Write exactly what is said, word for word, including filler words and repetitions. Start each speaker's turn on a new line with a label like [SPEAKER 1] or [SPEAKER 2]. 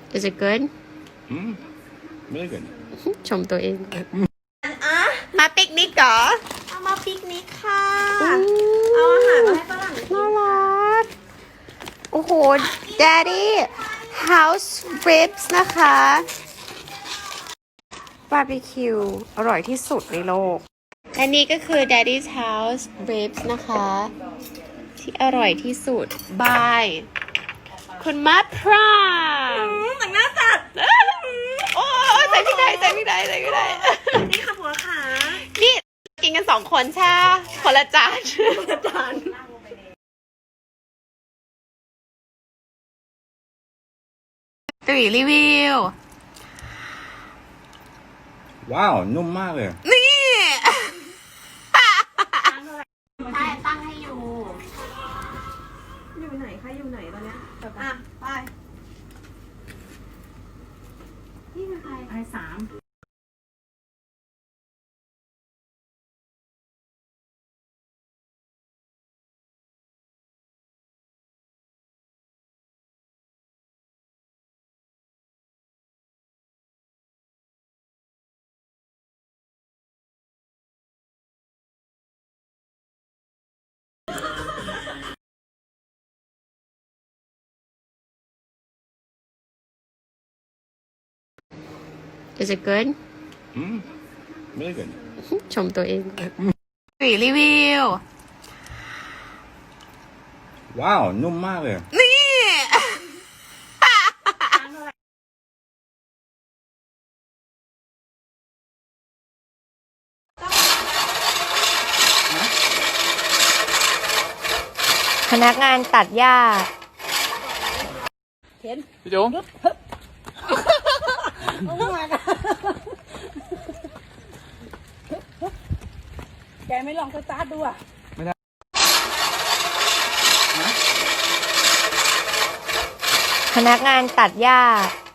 [SPEAKER 1] Is it good?
[SPEAKER 2] Mm, really good.
[SPEAKER 1] ชมตัวเองมาปิกนิกเหรอ
[SPEAKER 3] เอามาปิกนิกค่ะ เอาอาหารมาให้ฝรั่งกิน
[SPEAKER 1] น่ารักโอ้โห Daddy House Ribs นะคะบาร์บีคิวอร่อยที่สุดในโลกและนี่ก็คือ Daddy's House Ribs นะคะที่อร่อยที่สุดบายคุณมัดพราม
[SPEAKER 3] หนังหน้าจัด
[SPEAKER 1] โอ้ใส่พี่ได้ใส่พี่ได้ใส่พี่ได้
[SPEAKER 3] นี่ค่ะผัวขา
[SPEAKER 1] นี่กินกันสองคนใช่คนละจาน
[SPEAKER 3] อาจารย์
[SPEAKER 1] ตุ๋ยรีวิว
[SPEAKER 2] ว้าวนุ่มมากเลย
[SPEAKER 1] นี่
[SPEAKER 3] ใช่ตั้งให้อยู่ อยู่ไหนคะอยู่ไหนตอนเนี้ยอ่ะไปนี่เป็นใครไอสาม
[SPEAKER 1] Is it good?
[SPEAKER 2] Mm, really good.
[SPEAKER 1] ชมตัวเองตุ๋ยรีวิว
[SPEAKER 2] ว้าวนุ่มมากเลย
[SPEAKER 1] นี่
[SPEAKER 4] พนักงานตัดหญ้า
[SPEAKER 2] พี่จุ๋ม
[SPEAKER 3] แกไม่ลองสตาร์ทดูอ่ะ
[SPEAKER 4] พนักงานตัดหญ้า